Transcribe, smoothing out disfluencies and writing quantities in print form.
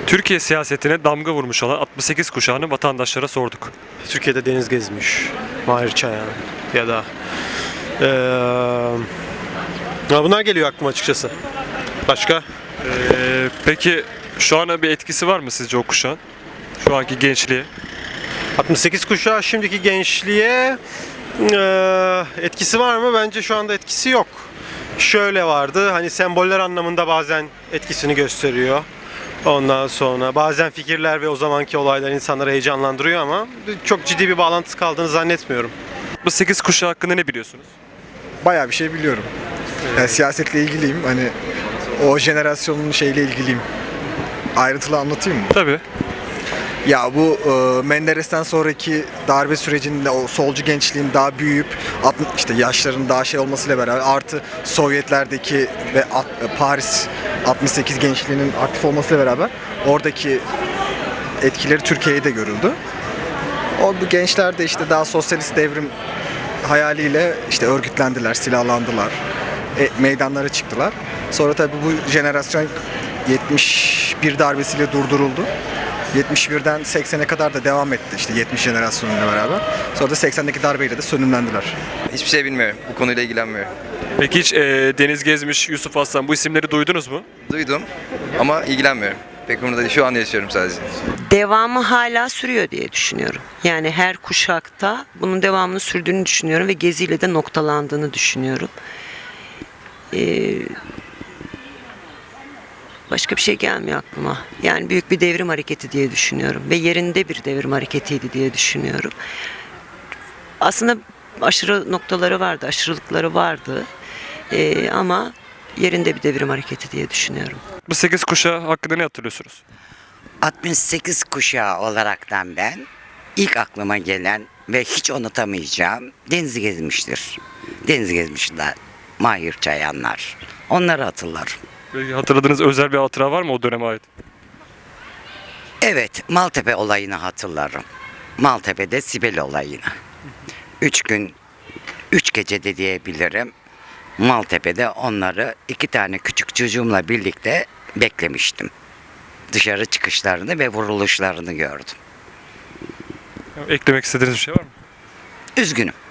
Türkiye siyasetine damga vurmuş olan 68 kuşağını vatandaşlara sorduk. Türkiye'de deniz gezmiş. Mahir Çayan ya da bunlar geliyor aklıma açıkçası. Başka? Peki şu ana bir etkisi var mı sizce o kuşağın? Şu anki gençliğe? 68 kuşağı şimdiki gençliğe etkisi var mı? Bence şu anda etkisi yok. Şöyle vardı, hani semboller anlamında bazen etkisini gösteriyor. Ondan sonra bazen fikirler ve o zamanki olaylar insanları heyecanlandırıyor ama çok ciddi bir bağlantısı kaldığını zannetmiyorum. 68 kuşağı hakkında ne biliyorsunuz? Bayağı bir şey biliyorum. Yani siyasetle ilgiliyim. Hani o jenerasyonun şeyle ilgiliyim. Ayrıntılı anlatayım mı? Tabii. Ya bu Menderes'ten sonraki darbe sürecinde o solcu gençliğin daha büyüyüp işte yaşların daha şey olmasıyla beraber artı Sovyetlerdeki ve Paris 68 gençliğinin aktif olmasıyla beraber oradaki etkileri Türkiye'ye de görüldü. Bu gençler de işte daha sosyalist devrim hayaliyle işte örgütlendiler, silahlandılar, meydanlara çıktılar. Sonra tabii bu jenerasyon 71 darbesiyle durduruldu. 71'den 80'e kadar da devam etti işte 70 jenerasyonuyla beraber. Sonra da 80'deki darbeyle de sönümlendiler. Hiçbir şey bilmiyorum. Bu konuyla ilgilenmiyorum. Peki hiç Deniz Gezmiş, Yusuf Aslan bu isimleri duydunuz mu? Duydum ama ilgilenmiyorum. Pek umurumda değil. Şu an yaşıyorum sadece. Devamı hala sürüyor diye düşünüyorum. Yani her kuşakta bunun devamını sürdüğünü düşünüyorum ve geziyle de noktalandığını düşünüyorum. Başka bir şey gelmiyor aklıma. Yani büyük bir devrim hareketi diye düşünüyorum ve yerinde bir devrim hareketiydi diye düşünüyorum. Aslında aşırı noktaları vardı, aşırılıkları vardı. Ama yerinde bir devrim hareketi diye düşünüyorum. 68 kuşağı hakkında ne hatırlıyorsunuz? 68 kuşağı olaraktan ben ilk aklıma gelen ve hiç unutamayacağım denizi gezmiştir. Deniz gezmişler, Mahir Çayanlar. Onları hatırlarım. Peki hatırladığınız özel bir hatıra var mı o döneme ait? Evet, Maltepe olayını hatırlarım. Maltepe'de Sibel olayını. 3 gün, 3 gece de diyebilirim. Maltepe'de onları 2 tane küçük çocuğumla birlikte beklemiştim. Dışarı çıkışlarını ve vuruluşlarını gördüm. Eklemek istediğiniz bir şey var mı? Üzgünüm.